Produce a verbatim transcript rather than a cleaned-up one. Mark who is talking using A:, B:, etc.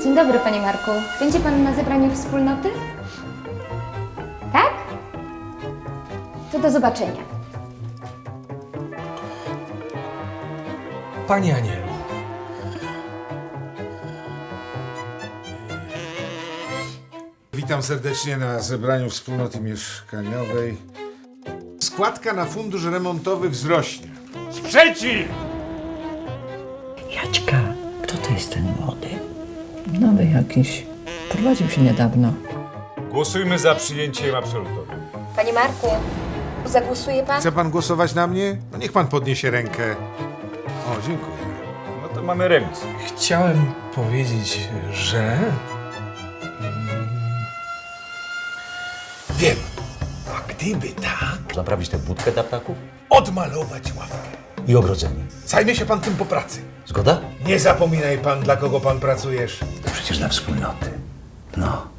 A: Dzień dobry, panie Marku. Będzie pan na zebraniu wspólnoty? Tak? To do zobaczenia.
B: Panie Anielu.
C: Witam serdecznie na zebraniu wspólnoty mieszkaniowej. Składka na fundusz remontowy wzrośnie.
D: Sprzeciw!
E: Jaćka, kto to jest ten młody? Nowy jakiś. Prowadził się niedawno.
D: Głosujmy za przyjęciem absolutorium.
A: Panie Marku, zagłosuje pan?
C: Chce pan głosować na mnie? No niech pan podniesie rękę. O, dziękuję.
D: No to mamy remis.
B: Chciałem powiedzieć, że...
C: Wiem. A gdyby tak,
F: Naprawić tę budkę dla ptaków
C: odmalować ławkę.
F: i ogrodzenie.
C: Zajmie się pan tym po pracy.
F: Zgoda?
C: Nie zapominaj pan, dla kogo pan pracujesz.
F: To przecież dla wspólnoty. No.